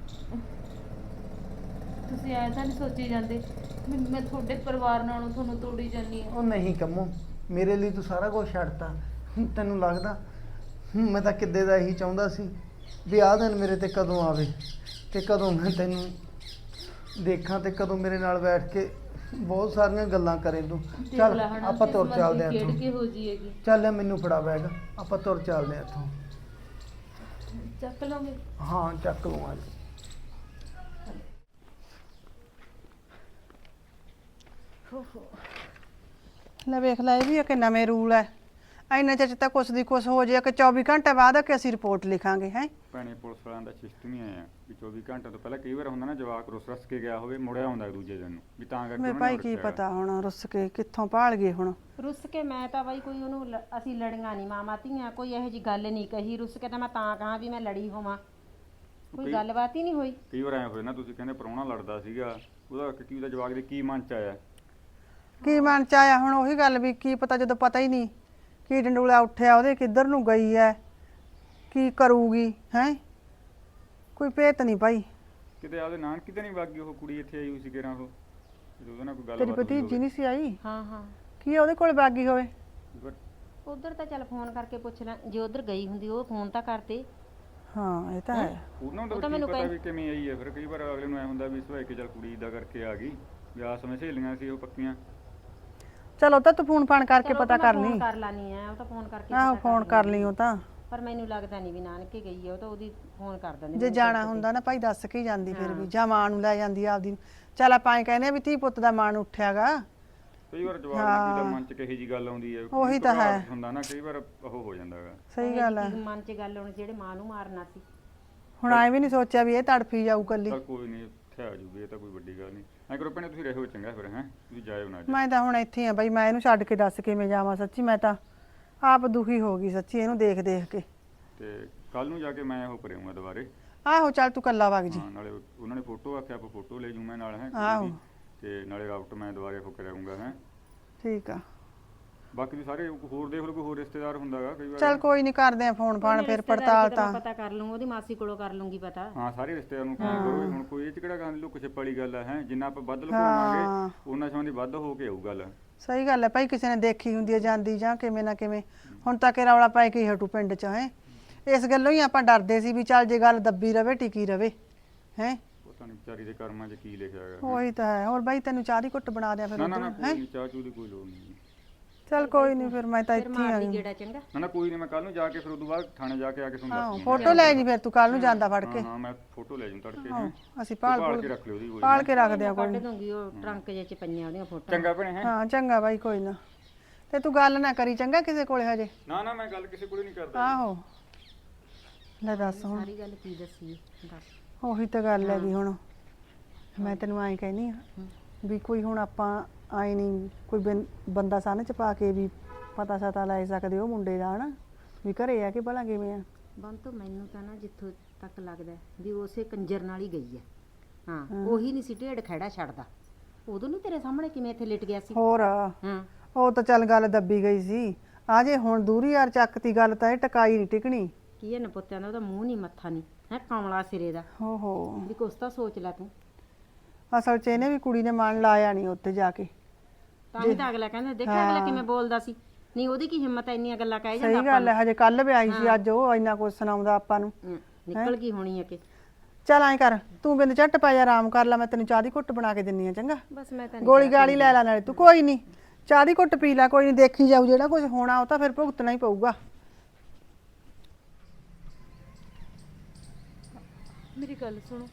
ਤੁਸੀਂ ਐਂ ਤਾਂ ਨਹੀਂ ਸੋਚੀ ਜਾਂਦੇ ਵੀ ਮੈਂ ਤੁਹਾਡੇ ਪਰਿਵਾਰ ਨਾਲੋਂ ਤੁਹਾਨੂੰ ਤੋੜੀ ਜਾਂਦੀ ਹਾਂ।
ਉਹ ਨਹੀਂ ਕੰਮੋ, ਮੇਰੇ ਲਈ ਤੂੰ ਸਾਰਾ ਕੁਝ ਛੱਡਤਾ। ਹੁਣ ਤੈਨੂੰ ਲੱਗਦਾ ਹੁਣ ਮੈਂ ਤਾਂ ਕਿੱਦੇ ਦਾ ਇਹੀ ਚਾਹੁੰਦਾ ਸੀ ਵੀ ਆਹ ਦਿਨ ਮੇਰੇ ਤੇ ਕਦੋਂ ਆਵੇ ਤੇ ਕਦੋਂ ਮੈਂ ਤੈਨੂੰ ਦੇਖਾਂ ਤੇ ਕਦੋਂ ਮੇਰੇ ਨਾਲ ਬੈਠ ਕੇ ਬਹੁਤ ਸਾਰੀਆਂ ਗੱਲਾਂ ਕਰੇ ਤੂੰ।
ਦੇਖ
ਚੱਲ
ਲੈ ਹਨਾ,
ਆਪਾਂ ਤੁਰ
ਕਿਸਮਤ
ਚੱਲਦੇ ਹਾਂ
ਦੀ ਖੇਡ
ਇੱਥੋਂ।
ਕੇ ਹੋ ਜਾਏਗੀ।
ਚੱਲ ਲੈ ਮੈਨੂੰ ਫੜਾ ਬੈਗ, ਆਪਾਂ ਤੁਰ ਚੱਲਦੇ ਹਾਂ ਇੱਥੋਂ।
ਚੱਕ ਲਓਗੇ?
ਹਾਂ ਚੱਕ ਲੂੰ ਅੱਜ।
ਲੈ ਵੇਖ ਲੈ, ਇਹ ਵੀ ਇੱਕ ਨਵੇਂ ਰੂਲ ਹੈ। ਇੰਨੇ ਚਿਰ 'ਚ ਤਾਂ ਕੁਛ ਦੀ ਕੁਛ ਹੋ ਜੇ ਕਿ ਚੌਵੀ ਘੰਟੇ ਬਾਅਦ ਕਿ ਅਸੀਂ ਰਿਪੋਰਟ ਲਿਖਾਂਗੇ ਹੈ।
ਭੈਣੇ ਪੁਲਿਸ ਵਾਲਿਆਂ ਦਾ ਸਿਸਟਮ ਹੀ ਆਇਆ ਵੀ ਚੌਵੀ ਘੰਟੇ ਤੋਂ ਪਹਿਲਾਂ ਕਈ ਵਾਰ ਹੁੰਦਾ ਨਾ ਜਵਾਕ ਰੁੱਸ ਰਸ ਕੇ ਗਿਆ ਹੋਵੇ, ਮੁੜਿਆ ਆਉਂਦਾ ਦੂਜੇ ਦਿਨ ਨੂੰ, ਵੀ ਤਾਂ ਕਰਕੇ
ਮੈਂ
ਉਹਨਾਂ
ਭਾਈ
ਨੇ
ਕੀ
ਰੱਖਿਆ
ਪਤਾ ਹੁਣ ਰੁੱਸ ਕੇ ਕਿੱਥੋਂ ਭਾਲ ਗਏ ਹੁਣ।
ਰੁੱਸ ਕੇ ਮੈਂ ਤਾਂ ਬਾਈ ਕੋਈ ਉਹਨੂੰ ਲ- ਅਸੀਂ ਲੜੀਆਂ ਨਹੀਂ ਮਾਮਾ ਧੀਆਂ, ਕੋਈ ਇਹੋ ਜੀ ਗੱਲ ਨਹੀਂ ਕਹੀ। ਰੁੱਸ ਕੇ ਤਾਂ ਮੈਂ ਤਾਂ ਕਹਾਂ ਵੀ ਮੈਂ ਲੜੀ ਹੋਵਾਂ, ਕੋਈ
ਕਈ-
ਗੱਲਬਾਤ ਹੀ ਨਹੀਂ ਹੋਈ।
ਕਈ ਵਾਰ ਐਂ ਹੋਏ ਨਾ, ਤੁਸੀਂ ਕਹਿੰਦੇ ਪ੍ਰਾਹੁਣਾ ਲੜਦਾ ਸੀਗਾ, ਉਹਦਾ ਕੀ ਉਹਦਾ ਜਵਾਕ ਦੇ ਕੀ ਮਨ ਚ ਆਇਆ?
ਕੀ ਮਨ ਚ ਆਇਆ ਹੁਣ ਉਹੀ ਗੱਲ ਵੀ ਕੀ ਪਤਾ, ਜਦੋਂ ਪਤਾ ਹੀ ਨਹੀਂ ਕੀ ਡੰਡੂਲਾ ਉੱਠਿਆ ਉਹਦੇ ਕਿੱਧਰ ਨੂੰ ਗਈ ਹੈ, ਕੀ ਕਰੂਗੀ ਹੈ, ਕੋਈ ਭੇਤ ਨਹੀਂ ਭਾਈ।
ਕਿਤੇ ਆਪਦੇ ਨਾਨਕੀ ਤੇ ਨਹੀਂ ਵਾਗੀ ਉਹ ਕੁੜੀ, ਇੱਥੇ ਆਈ ਹੋਈ ਸੀ ਕਿਹੜਾ ਉਹ, ਜਦੋਂ ਉਹਦੇ ਨਾਲ ਕੋਈ
ਤੇਰੀ
ਗੱਲਬਾਤ ਹੋਈ
ਭਤੀਜੀ
ਹੋਵੇ।
ਨਹੀਂ ਸੀ ਆਈ?
ਹਾਂ ਹਾਂ
ਕੀ ਉਹਦੇ ਕੋਲ ਬਾਗੀ ਹੋਵੇ?
ਪਰ
ਉਧਰ ਤਾਂ ਚੱਲ ਫੋਨ ਕਰਕੇ ਪੁੱਛ ਲੈ, ਜੇ ਉਧਰ ਗਈ ਹੁੰਦੀ ਉਹ ਫੋਨ ਤਾਂ ਕਰਦੇ।
ਹਾਂ ਇਹ ਤਾਂ ਹੈ।
ਉਹਨਾਂ
ਉਹ ਤਾਂ
ਦਾ ਕੀ
ਮੈਨੂੰ
ਪਤਾ
ਕਹਿ-
ਵੀ ਕਿਵੇਂ ਆਈ ਹੈ। ਫਿਰ ਕਈ ਵਾਰ ਅਗਲੇ ਨੂੰ ਐ ਹੁੰਦਾ ਵੀ ਸਵਾਈ ਕੇ ਚੱਲ ਕੁੜੀ ਦਾ ਕਰਕੇ ਆ ਗਈ, ਵੀ ਆਸ ਵਿੱਚ ਸਹੇਲੀਆਂ ਸੀ ਉਹ ਪੱਕੀਆਂ।
ਚਲੋ ਤਾਂ ਤੂੰ ਫੋਨ ਫਾਨ ਕਰਕੇ
ਚਲੋ
ਪਤਾ
ਉਹ ਤਾਂ
ਕਰ
ਮੈਂ
ਲਈ।
ਫੋਨ ਕਰ ਲਾਨੀ ਆ, ਉਹ ਤਾਂ ਫੋਨ ਕਰਕੇ
ਆਹੋ
ਪਤਾ
ਫੋਨ ਕਰ ਲਈ ਉਹ ਤਾਂ।
ਪਰ ਮੈਨੂੰ ਲੱਗਦਾ ਨਹੀਂ ਵੀ ਨਾਨਕੇ ਗਈ ਹੈ, ਉਹ ਤਾਂ ਉਹਦੀ ਫੋਨ ਕਰ ਦਿੰਦੇ
ਜੇ
ਮੈਨੂੰ
ਜਾਣਾ
ਕਿਤੇ।
ਹੁੰਦਾ ਨਾ ਭਾਈ ਦੱਸ ਕੇ ਹੀ ਜਾਂਦੀ ਫਿਰ ਵੀ,
ਹਾਂ।
ਜਾਂ ਮਾਂ ਨੂੰ ਲੈ ਜਾਂਦੀ ਆਪਦੀ ਨੂੰ। ਚੱਲ ਆਪਾਂ ਐਂ ਕਹਿੰਦੇ ਆ ਵੀ ਧੀ ਪੁੱਤ ਦਾ ਮਾਣ ਉੱਠਿਆਗਾ।
ਕਈ ਵਾਰ ਜਵਾਬ ਨੂੰ ਦਾ ਮਨ ਚ ਕਹੀ ਜੀ ਗੱਲ ਆਉਂਦੀ ਹੈ,
ਉਹੀ ਤਾਂ ਹੈ।
ਘਬਰਾਹਟ ਹੁੰਦਾ ਨਾ, ਕਈ ਵਾਰ ਉਹ ਹੋ ਜਾਂਦਾ ਹੈਗਾ।
ਸਹੀ ਗੱਲ ਹੈ।
ਕੀ ਮਨ 'ਚ ਗੱਲ ਹੋਣੀ ਜਿਹੜੇ ਮਾਂ ਨੂੰ ਮਾਰਨਾ ਸੀ।
ਹੁਣ ਐ ਵੀ ਨਹੀਂ ਸੋਚਿਆ ਵੀ ਇਹ ਤੜਫੀ ਜਾਊ ਕੱਲੀ।
ਚੱਲ ਕੋਈ ਨਹੀਂ, ਇੱਥੇ ਆ ਜੂਗੀ, ਇਹ ਤਾਂ ਕੋਈ ਵੱਡੀ ਗੱਲ ਨਹੀਂ। ਐਂ ਕਰੋ ਭੈਣੇ ਤੁਸੀਂ ਰਹੋ ਚੰਗਾ ਫਿਰ, ਹੈ ਤੁਸੀਂ ਜਾਇਓ ਨਾ ਅੱਜ।
ਮੈਂ ਤਾਂ ਹੁਣ ਇੱਥੇ ਆ ਬਈ, ਮੈਂ ਇਹਨੂੰ ਛੱਡ ਕੇ ਦੱਸ ਕਿਵੇਂ ਜਾਵਾਂ। ਸੱਚੀ ਮੈਂ ਤਾਂ ਆਪ ਦੁਖੀ ਹੋ ਗਈ ਸੱਚੀ ਇਹਨੂੰ ਦੇਖ ਦੇਖ ਕੇ।
ਤੇ ਕੱਲ ਨੂੰ ਜਾ ਕੇ ਮੈਂ ਉਹ ਕਰਾਂਗਾ ਦੁਬਾਰੇ।
ਆਹੋ ਚੱਲ ਤੂੰ ਕੱਲਾ ਵਗ ਜੀ।
ਹਾਂ, ਨਾਲੇ ਉਹਨਾਂ ਨੇ ਫੋਟੋ ਆਖਿਆ, ਆਪਾਂ ਫੋਟੋ ਲੈ ਜੂ ਮੈਂ ਨਾਲ, ਹੈ
ਆਹੋ।
ਤੇ ਨਾਲੇ ਰਾਊਟ ਮੈਂ ਦੁਬਾਰੇ ਉਹ ਕਰਾਂਗਾ। ਹੈ
ਠੀਕ ਆ,
ਬਾਕੀ ਵੀ ਸਾਰੇ ਹੋਰ ਦੇਖ ਲਓ, ਕੋਈ ਹੋਰ ਰਿਸ਼ਤੇਦਾਰ ਹੁੰਦਾਗਾ ਕਈ ਵਾਰ।
ਚੱਲ ਕੋਈ ਨਹੀਂ ਕਰਦੇ ਆ ਫੋਨ ਫਾਨ
ਉਹਨੇ
ਫਿਰ
ਰਿਸ਼ਤੇਦਾਰੀ
ਪੜਤਾਲ
ਕਿਤੇ ਮੈਂ
ਤਾਂ।
ਪਤਾ ਕਰ ਲੂੰ, ਉਹਦੀ ਮਾਸੀ ਕੋਲੋਂ ਕਰ ਲੂੰਗੀ ਪਤਾ।
ਹਾਂ ਸਾਰੇ ਰਿਸ਼ਤੇਦਾਰ ਨੂੰ ਫੋਨ ਕਰੋ। ਹੁਣ ਕੋਈ ਇਹ ਚ ਕਿਹੜਾ ਗੱਲ ਲੁੱਕ ਛਿਪ ਵਾਲੀ ਗੱਲ ਹੈ, ਜਿੰਨਾ ਆਪਾਂ ਵੱਧ
ਹਾਂ।
ਲੁਕਾਵਾਂਗੇ ਉਹਨਾਂ ਸੰਬੰਧੀ ਵੱਧ ਹੋ ਕੇ ਆਊ ਗੱਲ।
ਸਹੀ ਗੱਲ ਹੈ ਭਾਈ, ਕਿਸੇ ਨੇ ਦੇਖੀ ਹੁੰਦੀ ਹੈ ਜਾਂਦੀ ਜਾਂ ਕਿਵੇਂ ਨਾ ਕਿਵੇਂ। ਹੁਣ ਤਾਂ ਕਿ ਰੌਲਾ ਪੈ ਕੇ ਹੀ ਹਟੂ ਪਿੰਡ 'ਚ ਹੈ। ਇਸ ਗੱਲੋਂ ਹੀ ਆਪਾਂ ਡਰਦੇ ਸੀ ਵੀ ਚੱਲ ਜੇ ਗੱਲ ਦੱਬੀ ਰਵੇ ਟਿਕੀ ਰਵੇ ਹੈ।
ਪਤਾ ਨਹੀਂ ਵਿਚਾਰੀ ਦੇ ਕਰਮਾਂ 'ਚ ਕੀ ਲਿਖਿਆ ਹੈਗਾ।
ਉਹੀ ਤਾਂ ਹੈ। ਹੋਰ ਬਾਈ ਤੈਨੂੰ ਚਾਹ ਦੀ ਘੁੱਟ ਬਣਾ ਦਿਆਂ ਫਿਰ
ਨਾ ਨਾ ਨਾ
ਉੱਧਰੋਂ, ਹੈਂ?
ਕੋਈ ਨੀ, ਚਾਹ ਚੂਹ ਦੀ ਕੋਈ ਲੋੜ ਨਹੀਂ।
ਚੱਲ ਕੋਈ ਨਹੀਂ, ਫਿਰ ਮੈਂ ਤਾਂ
ਫਿਰ
ਇੱਥੇ ਹੀ
ਮਾਰ
ਆ
ਲਈ
ਗਈ।
ਗੇੜਾ ਚੰਗਾ।
ਨਾ ਨਾ ਕੋਈ ਨਹੀਂ, ਮੈਂ ਕੱਲ ਨੂੰ ਜਾ ਕੇ ਫਿਰ ਉਦੋਂ ਬਾਅਦ ਥਾਣੇ ਜਾ ਕੇ ਆ ਕੇ ਤੁਹਾਨੂੰ
ਆਹੋ
ਦੱਸ
ਫੋਟੋ ਲੈ ਜੀ ਫਿਰ ਤੂੰ ਕੱਲ ਨੂੰ ਜਾਂਦਾ ਫੜ ਕੇ।
ਹਾਂ ਹਾਂ ਮੈਂ ਫੋਟੋ ਲੈ ਜੂੰ ਤੜਕੇ।
ਆਹੋ,
ਹੈਂ।
ਅਸੀਂ
ਭਾਲ
ਭਾਲ
ਕੇ
ਭੂਲ
ਰੱਖ ਲਿਓ ਉਹਦੀ ਕੋਈ
ਪਾਲ ਕੇ ਰੱਖਦੇ ਆ ਕੋਈ
ਕੱਢ
ਨੀ।
ਦੂੰਗੀ ਉਹ ਟਰੰਕ ਜੇ ਚ ਪਈਆਂ ਉਹਦੀਆਂ ਫੋਟੋਆਂ।
ਚੰਗਾ ਭੈਣੇ ਹੈ।
ਹਾਂ ਚੰਗਾ ਬਾਈ, ਕੋਈ ਨਾ। ਤੇ ਤੂੰ ਗੱਲ ਨਾ ਕਰੀ ਚੰਗਾ ਕਿਸੇ ਕੋਲੇ ਹਜੇ।
ਨਾ ਨਾ ਮੈਂ ਗੱਲ ਕਿਸੇ ਕੋਲ ਨਹੀਂ ਕਰਦਾ।
ਆਹੋ ਲੈ ਦੱਸ ਹੁਣ।
ਸਾਰੀ ਗੱਲ ਕੀ ਦੱਸੀ ਦੱਸ।
ਉਹੀ ਤਾਂ ਗੱਲ ਹੈਗੀ ਹੁਣ। ਮੈਂ ਤੈਨੂੰ ਐਂ ਕਹਿੰਦੀ ਆ ਵੀ ਕੋਈ ਹੁਣ ਆਪਾਂ ਆਏ ਨਹੀਂ ਕੋਈ ਬੰ- ਬੰਦਾ ਸਾਹਮਣੇ ਚ ਪਾ ਕੇ ਵੀ ਪਤਾ ਸਤਾ ਲੈ ਸਕਦੇ ਉਹ ਮੁੰਡੇ ਦਾ ਹਨਾ ਵੀ ਘਰੇ ਆ ਕਿ ਭਲਾ ਕਿਵੇਂ ਆ।
ਬੰਤੋ ਮੈਨੂੰ ਤਾਂ ਨਾ ਜਿੱਥੋਂ ਤੱਕ ਲੱਗਦਾ ਵੀ ਉਸੇ ਕੰਜਰ ਨਾਲ ਹੀ ਗਈ ਹੈ। ਹਾਂ ਉਹੀ ਨਹੀਂ ਸੀ ਢੇਡ ਖੜਾ ਛੱਡਦਾ। ਉਦੋਂ ਨਹੀਂ ਤੇਰੇ ਸਾਹਮਣੇ ਕਿਵੇਂ ਇੱਥੇ ਲਿਟ ਗਿਆ ਸੀ।
ਹੋਰ
ਹਾਂ
ਉਹ ਤਾਂ ਚੱਲ ਗੱਲ ਦੱਬੀ ਗਈ ਸੀ। ਆ ਜੇ ਹੁਣ ਦੂਰੀ ਯਾਰ ਚੱਕਤੀ ਗੱਲ ਤਾਂ ਇਹ ਟਕਾਈ ਨਹੀਂ ਟਿਕਣੀ।
ਕੀ ਹੈ ਨਪੁੱਤਿਆਂ ਦਾ ਉਹਦਾ ਮੂੰਹ ਨਹੀਂ ਮੱਥਾ ਨਹੀਂ ਹੈ ਕਮਲਾ ਸਿਰੇ ਦਾ।
ਹੋ ਹੋ
ਵੀ ਕੁਛ ਤਾਂ ਸੋਚ ਲੈ ਤੂੰ।
ਅਸਲ ਚ ਇਹਨੇ ਵੀ ਕੁੜੀ ਨੇ ਮਨ ਲਾਇਆ ਨਹੀਂ ਉੱਥੇ ਜਾ ਕੇ।
ਤਾਂ ਹੀ ਤਾਂ ਅਗਲਾ ਕਹਿੰਦਾ ਦੇਖਿਆ ਅਗਲਾ ਕਿਵੇਂ ਬੋਲਦਾ ਸੀ। ਨਹੀਂ ਉਹਦੀ ਕੀ ਹਿੰਮਤ ਐ ਇੰਨੀਆਂ ਗੱਲਾਂ ਕਹਿ ਜਾਂਦਾ
ਸਹੀ ਗੱਲ ਹੈ। ਹਜੇ ਕੱਲ ਵੀ ਆਈ ਸੀ, ਅੱਜ ਉਹ ਇੰਨਾ ਕੁਝ ਸੁਣਾਉਂਦਾ ਆਪਾਂ ਨੂੰ।
ਹਮ, ਨਿਕਲ ਗਈ ਹੋਣੀ ਹੈ ਕਿ
ਚੱਲ ਐਂ ਕਰ ਤੂੰ ਬਿੰਦ ਝੱਟ ਪੈ ਜਾ, ਆਰਾਮ ਕਰ ਲੈ। ਮੈਂ ਤੈਨੂੰ ਚਾਹ ਦੀ ਘੁੱਟ ਬਣਾ ਕੇ ਦਿੰਨੀ ਆ ਚੰਗਾ।
ਬਸ ਮੈਂ ਤਾਂ
ਗੋਲੀ ਗਾਲੀ ਲੈ ਲੈ ਨਾਲੇ ਤੂੰ। ਕੋਈ ਨਹੀਂ ਚਾਹ ਦੀ ਘੁੱਟ ਪੀ ਲੈ, ਕੋਈ ਨਹੀਂ ਦੇਖੀ ਜਾਊ। ਜਿਹੜਾ ਕੁਝ ਹੋਣਾ ਉਹ ਤਾਂ ਫਿਰ ਭੁਗਤਣਾ ਹੀ ਪਊਗਾ।
ਮੇਰੀ ਗੱਲ ਸੁਣੋ,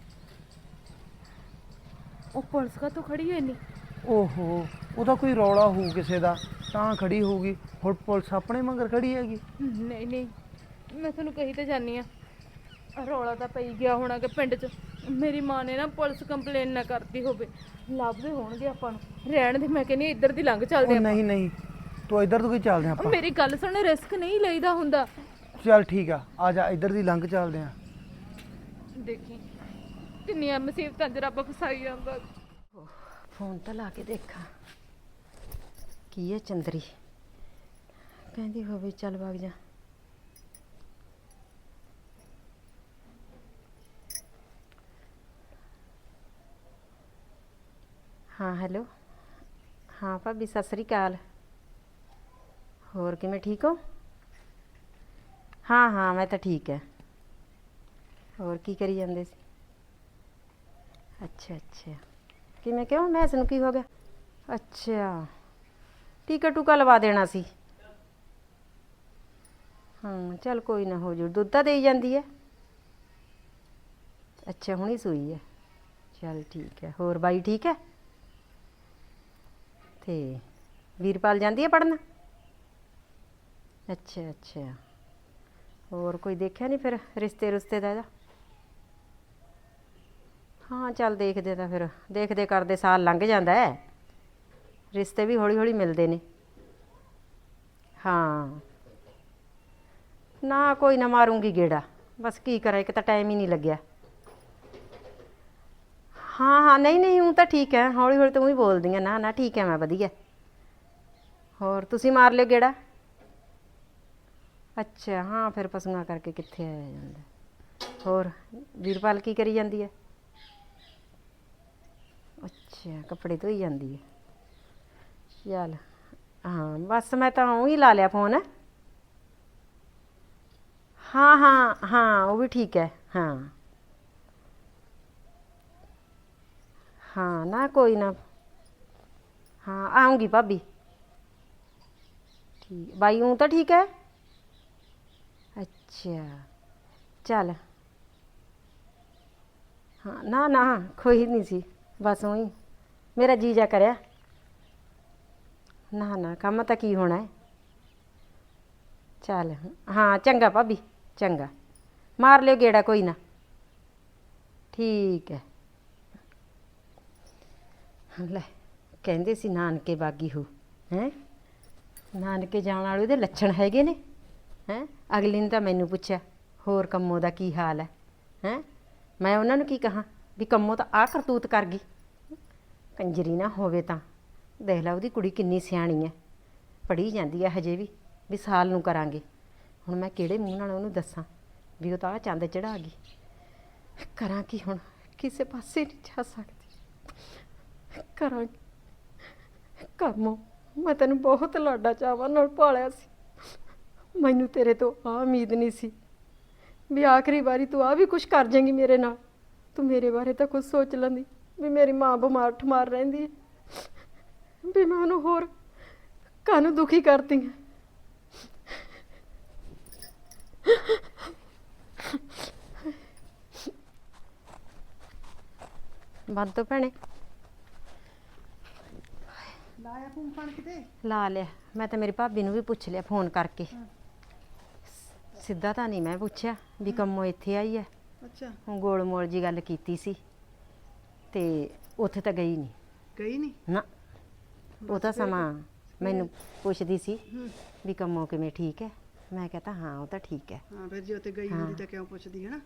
ਉਹ ਪੁਲਿਸ ਕਾ ਤੋਂ ਖੜੀ ਹੋਈ ਨਹੀਂ?
ਓਹੋ ਉਹਦਾ ਕੋਈ ਰੌਲਾ ਹੋਊ ਕਿਸੇ ਦਾ ਤਾਂ ਖੜੀ ਹੋਊਗੀ। ਹੁਣ ਪੁਲਿਸ ਆਪਣੇ ਮਗਰ ਖੜੀ ਹੈਗੀ।
ਨਹੀਂ ਨਹੀਂ, ਮੈਂ ਤੁਹਾਨੂੰ ਕਹੀ ਤਾਂ ਜਾਨੀ ਆ ਰੌਲਾ ਤਾਂ ਪਈ ਗਿਆ ਹੋਣਾ ਕਿ ਪਿੰਡ 'ਚ ਮੇਰੀ ਮਾਂ ਨੇ ਨਾ ਪੁਲਿਸ ਕੰਪਲੇਨ ਨਾ ਕਰਤੀ ਹੋਵੇ। ਲੱਭਦੇ ਹੋਣਗੇ ਆਪਾਂ ਨੂੰ। ਰਹਿਣ ਦੇ, ਮੈਂ ਕਹਿੰਦੀ ਹਾਂ ਇੱਧਰ ਦੀ ਲੰਘ ਚੱਲਦੇ
ਉਹ
ਆਪਾਂ।
ਨਹੀਂ ਨਹੀਂ ਤੂੰ ਇੱਧਰ ਤੋਂ ਕੀ ਚੱਲਦੇ ਆਂ ਆਪਾਂ।
ਮੇਰੀ ਗੱਲ ਸੁਣ, ਰਿਸਕ ਨਹੀਂ ਲਈਦਾ ਹੁੰਦਾ।
ਚੱਲ ਠੀਕ ਆ, ਆ ਜਾ ਇੱਧਰ ਦੀ ਲੰਘ ਚੱਲਦੇ ਆਂ।
ਦੇਖੀ ਕਿੰਨੀਆਂ ਮੁਸੀਬਤਾਂ 'ਚ ਰੱਬ ਫਸਾਈ ਜਾਂਦਾ।
ਫੋਨ ਤਾਂ ਲਾ ਕੇ ਦੇਖਾਂ ਕੀ ਹੈ ਚੰਦਰੀ ਕਹਿੰਦੀ ਹੋਵੇ ਚੱਲ ਵਗ ਜਾ। ਹਾਂ ਹੈਲੋ। ਹਾਂ ਭਾਬੀ ਸਤਿ ਸ੍ਰੀ ਅਕਾਲ। ਹੋਰ ਕਿਵੇਂ ਠੀਕ ਹੋ? ਹਾਂ ਹਾਂ ਮੈਂ ਤਾਂ ਠੀਕ ਹੈ। ਹੋਰ ਕੀ ਕਰੀ ਜਾਂਦੇ ਸੀ? ਅੱਛਾ ਅੱਛਾ ਕਿਵੇਂ ਕਿਉਂ ਮੈਸ ਨੂੰ ਕੀ ਹੋ ਗਿਆ? ਅੱਛਾ ਟੀਕਾ ਟੂਕਾ ਲਵਾ ਦੇਣਾ ਸੀ। ਹਾਂ ਚੱਲ ਕੋਈ ਨਾ ਹੋ ਜੂ। ਦੁੱਧ ਤਾਂ ਦੇਈ ਜਾਂਦੀ ਹੈ? ਅੱਛਾ ਹੁਣੀ ਸੂਈ ਹੈ। ਚੱਲ ਠੀਕ ਹੈ। ਹੋਰ ਬਾਈ ਠੀਕ ਹੈ? ਤੇ ਵੀਰਪਾਲ ਜਾਂਦੀ ਹੈ ਪੜ੍ਹਨ? ਅੱਛਾ ਅੱਛਾ ਹੋਰ ਕੋਈ ਦੇਖਿਆ ਨਹੀਂ ਫਿਰ ਰਿਸ਼ਤੇ ਰੁਸ਼ਤੇ ਦਾ ਇਹਦਾ? ਹਾਂ ਚੱਲ ਦੇਖਦੇ ਤਾਂ ਫਿਰ ਦੇਖਦੇ ਕਰਦੇ ਸਾਲ ਲੰਘ ਜਾਂਦਾ ਹੈ। ਰਿਸ਼ਤੇ ਵੀ ਹੌਲੀ ਹੌਲੀ ਮਿਲਦੇ ਨੇ। ਹਾਂ ਨਾ ਕੋਈ ਨਾ ਮਾਰੂੰਗੀ ਗੇੜਾ। ਬਸ ਕੀ ਕਰਾਂ ਇੱਕ ਤਾਂ ਟਾਈਮ ਹੀ ਨਹੀਂ ਲੱਗਿਆ। ਹਾਂ ਹਾਂ ਨਹੀਂ ਨਹੀਂ ਹੂੰ ਤਾਂ ਠੀਕ ਹੈ। ਹੌਲੀ ਹੌਲੀ ਤੂੰ ਹੀ ਬੋਲਦੀ ਆ। ਨਾ ਨਾ ਠੀਕ ਹੈ ਮੈਂ ਵਧੀਆ। ਹੋਰ ਤੁਸੀਂ ਮਾਰ ਲਿਓ ਗੇੜਾ? ਅੱਛਾ ਹਾਂ ਫਿਰ ਪਸ਼ੂਆਂ ਕਰਕੇ ਕਿੱਥੇ ਆਇਆ ਜਾਂਦਾ। ਹੋਰ ਵੀਰਪਾਲ ਕੀ ਕਰੀ ਜਾਂਦੀ ਹੈ? ਅੱਛਾ ਕੱਪੜੇ ਧੋਈ ਜਾਂਦੀ ਹੈ। ਚੱਲ ਹਾਂ ਬਸ ਮੈਂ ਤਾਂ ਊਂ ਹੀ ਲਾ ਲਿਆ ਫੋਨ। ਹਾਂ ਹਾਂ ਹਾਂ ਉਹ ਵੀ ਠੀਕ ਹੈ। ਹਾਂ ਹਾਂ ਨਾ ਕੋਈ ਨਾ। ਹਾਂ ਆਊਂਗੀ ਭਾਬੀ। ਠੀਕ ਬਾਈ ਊਂ ਤਾਂ ਠੀਕ ਹੈ? ਅੱਛਾ ਚੱਲ ਹਾਂ ਨਾ ਨਾ ਕੋਈ ਨਹੀਂ ਸੀ ਬਸ ਊਂ ਮੇਰਾ ਜੀ ਜਾ ਕਰਿਆ। ਨਾ ਨਾ ਕੰਮ ਤਾਂ ਕੀ ਹੋਣਾ ਹੈ। ਚੱਲ ਹਾਂ ਚੰਗਾ ਭਾਬੀ ਚੰਗਾ ਮਾਰ ਲਿਓ ਗੇੜਾ ਕੋਈ ਨਾ। ਠੀਕ ਹੈ। ਲੈ ਕਹਿੰਦੇ ਸੀ ਨਾਨਕੇ ਬਾਗੀ ਹੋ ਹੈਂ। ਨਾਨਕੇ ਜਾਣ ਵਾਲੇ ਉਹਦੇ ਲੱਛਣ ਹੈਗੇ ਨੇ ਹੈਂ। ਅਗਲੀ ਨੇ ਤਾਂ ਮੈਨੂੰ ਪੁੱਛਿਆ ਹੋਰ ਕੰਮੋ ਦਾ ਕੀ ਹਾਲ ਹੈ ਹੈਂ। ਮੈਂ ਉਹਨਾਂ ਨੂੰ ਕੀ ਕਹਾਂ ਵੀ ਕੰਮੋ ਤਾਂ ਆਹ ਕਰਤੂਤ ਕਰ ਗਈ। ਕੰਜਰੀ ਨਾ ਹੋਵੇ ਤਾਂ ਦੇਖ ਲਾ ਉਹਦੀ ਕੁੜੀ ਕਿੰਨੀ ਸਿਆਣੀ ਹੈ। ਪੜ੍ਹੀ ਜਾਂਦੀ ਹੈ ਹਜੇ ਵੀ ਵੀ ਸਾਲ ਨੂੰ ਕਰਾਂਗੇ। ਹੁਣ ਮੈਂ ਕਿਹੜੇ ਮੂੰਹ ਨਾਲ ਉਹਨੂੰ ਦੱਸਾਂ ਵੀ ਉਹ ਤਾਂ ਆਹ ਚੰਦ ਚੜ੍ਹਾ ਗਈ। ਕਰਾਂ ਕੀ ਹੁਣ ਕਿਸੇ ਪਾਸੇ ਨਹੀਂ ਜਾ ਸਕਦੀ। ਕਰਾਂ
ਕਰਮੋ, ਮੈਂ ਤੈਨੂੰ ਬਹੁਤ ਲਾਡਾ ਚਾਵਾਂ ਨਾਲ ਪਾਲਿਆ ਸੀ। ਮੈਨੂੰ ਤੇਰੇ ਤੋਂ ਆ ਉਮੀਦ ਨਹੀਂ ਸੀ ਵੀ ਆਖਰੀ ਵਾਰੀ ਤੂੰ ਆ ਵੀ ਕੁਝ ਕਰ ਜਾਏਂਗੀ ਮੇਰੇ ਨਾਲ। ਤੂੰ ਮੇਰੇ ਬਾਰੇ ਤਾਂ ਕੁਝ ਸੋਚ ਲੈਂਦੀ ਵੀ ਮੇਰੀ ਮਾਂ ਬਿਮਾਰ ਠਮਾਰ ਰਹਿੰਦੀ ਹੈ, ਵੀ ਮੈਂ ਉਹਨੂੰ ਹੋਰ ਕਾਹਨੂੰ ਦੁਖੀ ਕਰਦੀ ਹਾਂ।
ਬੰਦ ਤੋਂ ਭੈਣੇ
ਲਾਇਆ ਫੋਨ ਫਾਨ ਕਿਤੇ?
ਲਾ ਲਿਆ। ਮੈਂ ਤਾਂ ਮੇਰੀ ਭਾਬੀ ਨੂੰ ਵੀ ਪੁੱਛ ਲਿਆ ਫੋਨ ਕਰਕੇ। ਸਿੱਧਾ ਤਾਂ ਨਹੀਂ ਮੈਂ ਪੁੱਛਿਆ ਵੀ ਕੰਮੋਂ ਇੱਥੇ ਆਈ ਹੈ।
ਅੱਛਾ,
ਹੁਣ ਗੋਲ ਮੋਲ ਜੀ ਗੱਲ ਕੀਤੀ ਸੀ ਤੇ ਉੱਥੇ ਤਾਂ ਗਈ ਨਹੀਂ
ਗਈ ਨਹੀਂ?
ਨਾ। ਉਹ ਤਾਂ ਸਮਾਂ ਮੈਨੂੰ ਪੁੱਛਦੀ ਸੀ ਵੀ ਕੰਮੋਂ ਕਿਵੇਂ ਠੀਕ ਹੈ। ਮੈਂ ਕਹਤਾ ਹਾਂ ਉਹ ਤਾਂ ਠੀਕ ਹੈ।
ਹਾਂ, ਫਿਰ ਜੇ ਉੱਥੇ ਗਈ ਹੁੰਦੀ ਤਾਂ ਕਿਉਂ ਪੁੱਛਦੀ ਹੈ ਨਾ।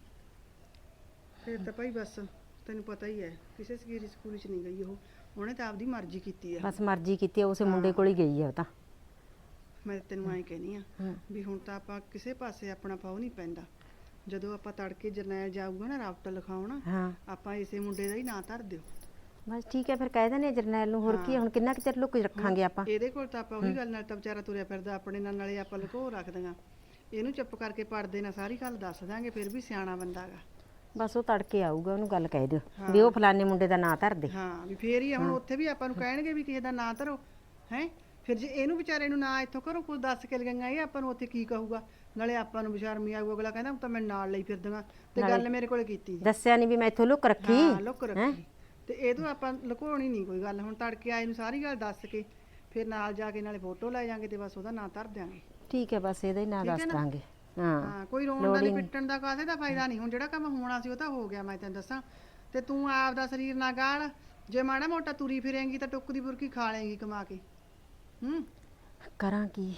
ਫਿਰ ਤਾਂ ਭਾਈ ਬਸ ਤੈਨੂੰ ਪਤਾ ਹੀ ਹੈ, ਕਿਸੇ ਸਕੀਰੀ ਸਕੂਲ 'ਚ ਨਹੀਂ ਗਈ ਉਹ, ਉਹਨੇ ਤਾਂ ਆਪਦੀ ਮਰਜ਼ੀ ਕੀਤੀ ਹੈ।
ਬਸ ਮਰਜ਼ੀ ਕੀਤੀ ਆ, ਉਸੇ ਮੁੰਡੇ ਕੋਲ ਹੀ ਗਈ ਆ ਉਹ ਤਾਂ।
ਮੈਂ ਤੈਨੂੰ ਐਂ ਕਹਿਨੀ ਆ ਵੀ ਹੁਣ ਤਾਂ ਆਪਾਂ ਕਿਸੇ ਪਾਸੇ ਆਪਣਾ ਪਾਉ ਨਹੀਂ ਪੈਂਦਾ। ਜਦੋਂ ਆਪਾਂ ਤੜਕੇ ਜਰਨੈਲ ਜਾਊਗਾ ਨਾ ਰਾਫਟ ਲਿਖਾਉਣ,
ਹਾਂ
ਆਪਾਂ ਇਸੇ ਮੁੰਡੇ ਦਾ ਹੀ ਨਾਂ ਧਰ ਦਿਓ।
ਬਸ ਠੀਕ ਹੈ, ਫਿਰ ਕਹਿ ਦਿੰਦੇ ਜਰਨੈਲ ਨੂੰ। ਹੋਰ ਕੀ ਆ, ਹੁਣ ਕਿੰਨਾ ਕੁ ਚਿਰ ਲੁੱਕ ਰੱਖਾਂਗੇ ਆਪਾਂ।
ਇਹਦੇ ਕੋਲ ਤਾਂ ਆਪਾਂ ਉਹੀ ਗੱਲ ਨਾਲ ਤਾਂ ਵਿਚਾਰਾ ਤੁਰਿਆ ਫਿਰਦਾ ਆਪਣੇ ਨਾਲ, ਨਾਲੇ ਆਪਾਂ ਲੁਕੋ ਰੱਖ ਦਾਂਗਾ। ਇਹਨੂੰ ਚੁੱਪ ਕਰਕੇ ਪੜਦੇ ਨਾਲ ਸਾਰੀ ਗੱਲ ਦੱਸ ਦਾਂਗੇ, ਫਿਰ ਵੀ ਸਿਆਣਾ ਬੰਦਾ ਗਾ।
ਬਸ ਉਹ ਤੜਕੇ ਆਊਗਾ, ਉਹਨੂੰ ਗੱਲ ਕਹਿ ਦਿਓ ਵੀ ਉਹ ਫਲਾਣੇ ਮੁੰਡੇ ਦਾ ਨਾਂ ਧਰ ਦੇ।
ਹਾਂ, ਵੀ ਫੇਰ ਹੀ ਆ। ਹੁਣ ਉੱਥੇ ਵੀ ਆਪਾਂ ਨੂੰ ਕਹਿਣਗੇ ਵੀ ਕਿਸੇ ਦਾ ਨਾਂ ਧਰੋ ਹੈ। ਫਿਰ ਜੇ ਇਹਨੂੰ ਵਿਚਾਰੇ ਨੂੰ ਨਾ ਇੱਥੋਂ ਘਰੋਂ ਕੁਝ ਦੱਸ ਕੇ ਲਗਾਂਗਾ, ਇਹ ਆਪਾਂ ਨੂੰ ਉੱਥੇ ਕੀ ਕਹੂਗਾ। ਨਾਲੇ ਆਪਾਂ ਨੂੰ ਬਸ਼ਰਮੀ ਆਊ, ਅਗਲਾ ਕਹਿੰਦਾ ਤਾਂ ਮੈਂ ਨਾਲ ਲਈ ਫਿਰਦਾਂ ਤੇ ਗੱਲ ਮੇਰੇ ਕੋਲੇ ਕੀਤੀ ਜੀ।
ਦੱਸਿਆ ਨਹੀਂ ਵੀ ਮੈਂ ਇੱਥੋਂ ਲੁੱਕ ਰੱਖੀ।
ਹਾਂ, ਲੁੱਕ ਰੱਖੀ। ਤੇ ਇਹ ਤੋਂ ਆਪਾਂ ਲੁਕੋਣੀ ਨਹੀਂ ਕੋਈ ਗੱਲ। ਹੁਣ ਤੜਕੇ ਆਏ ਨੂੰ ਸਾਰੀ ਗੱਲ ਦੱਸ ਕੇ ਫਿਰ ਨਾਲ ਜਾ ਕੇ ਨਾਲੇ ਫੋਟੋ ਲੈ ਜਾਾਂਗੇ ਤੇ ਬਸ ਉਹਦਾ ਨਾਂ ਧਰ ਦਿਆਂਗੇ।
ਠੀਕ ਹੈ, ਬਸ ਇਹਦਾ ਹੀ ਨਾਂ ਦੱਸ ਦਾਂਗੇ।
ਹਾਂ,
ਹਾਂ,
ਕੋਈ ਰੋਣ ਦਾ ਨਹੀਂ, ਪਿੱਟਣ ਦਾ ਕਾਸੇ ਦਾ ਫਾਇਦਾ ਨਹੀਂ। ਹੁਣ ਜਿਹੜਾ ਕੰਮ ਹੋਣਾ ਸੀ ਉਹ ਤਾਂ ਹੋ ਗਿਆ, ਮੈਂ ਤੈਨੂੰ ਦੱਸਾਂ। ਤੇ ਤੂੰ ਆਪ ਦਾ ਸਰੀਰ ਨਾ ਗਾਲ। ਜੇ ਮਾੜਾ ਮੋਟਾ ਤੁਰੀ ਫਿਰੇਂਗੀ ਤਾਂ ਟੁੱਕ ਦੀ ਬੁਰਕੀ ਖਾ ਲੇਂਗੀ ਕਮਾ ਕੇ। ਹੂੰ,
ਕਰਾਂ ਕੀ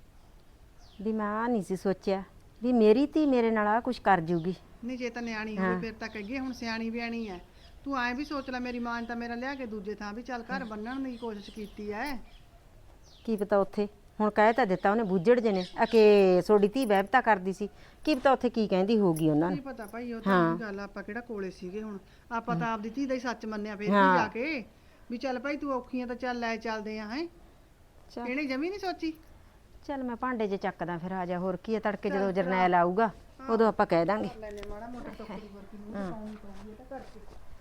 ਵੀ ਮੈਂ ਆ ਨਹੀਂ ਸੀ ਸੋਚਿਆ ਵੀ ਮੇਰੀ ਧੀ ਮੇਰੇ ਨਾਲ ਆ ਕੁਝ ਕਰ ਜੂਗੀ।
ਨਹੀਂ ਜੇ ਤਾਂ ਨਿਆਣੀ ਹੋਵੇ ਫਿਰ ਤਾਂ ਕਹੀਏ ਹੁਣ ਸਿਆਣੀ ਬਿਆਣੀ ਐ। ਤੂੰ ਐਂ ਵੀ ਸੋਚ ਲੈ, ਮੇਰੀ ਮਾਂ ਨੇ ਤਾਂ ਮੇਰਾ ਲਿਆ ਕੇ ਦੂਜੇ ਥਾਂ ਵੀ ਚੱਲ ਘਰ ਬੰਨਣ ਦੀ ਕੋਸ਼ਿਸ਼ ਕੀਤੀ ਐ।
ਕੀ ਪਤਾ ਉੱਥੇ ਹੁਣ ਕਹਿ ਤਾਂ ਦਿੱਤਾ ਉਹਨੇ ਬੁੱਝੜ ਜੇ ਨੇ ਆ ਕਿ ਸੋਡੀ ਧੀ ਵਹਿਬਤਾ ਕਰਦੀ ਸੀ। ਕੀ ਪਤਾ ਉੱਥੇ ਕੀ ਕਹਿੰਦੀ ਹੋਊਗੀ ਉਹਨਾਂ
ਕੀ
ਨੂੰ।
ਪਤਾ ਭਾਈ, ਉਹ ਤਾਂ ਗੱਲ ਆਪਾਂ ਕਿਹੜਾ ਕੋਲੇ ਸੀਗੇ। ਹੁਣ ਆਪਾਂ ਤਾਂ ਆਪਦੀ ਧੀ ਦਾ ਹੀ ਸੱਚ ਮੰਨਿਆ ਫਿਰ ਵੀ ਜਾ ਕੇ ਵੀ ਚੱਲ ਭਾਈ ਤੂੰ ਔਖੀ ਆ ਤਾਂ ਚੱਲ ਲੈ ਚੱਲਦੇ ਆ। ਹੈ ਇਹਨੇ ਜਮੀ ਨਹੀਂ ਸੋਚੀ।
ਚੱਲ ਮੈਂ ਭਾਂਡੇ ਜੇ ਚੱਕਦਾ ਫਿਰ ਆ ਜਾ। ਹੋਰ ਕੀ ਹੈ, ਤੜਕੇ ਜਦੋਂ ਜਰਨੈਲ ਆਊਗਾ ਉਦੋਂ ਆਪਾਂ ਕਹਿ ਦਾਂਗੇ।
ਲੈਨੇ ਮਾੜਾ ਮੋਟਾ ਟੋਕਰੀ ਵਰਗੀ ਨੂੰ ਪਾਉਣੀ ਪਊਗੀ ਇਹ ਤਾਂ ਕਰਕੇ।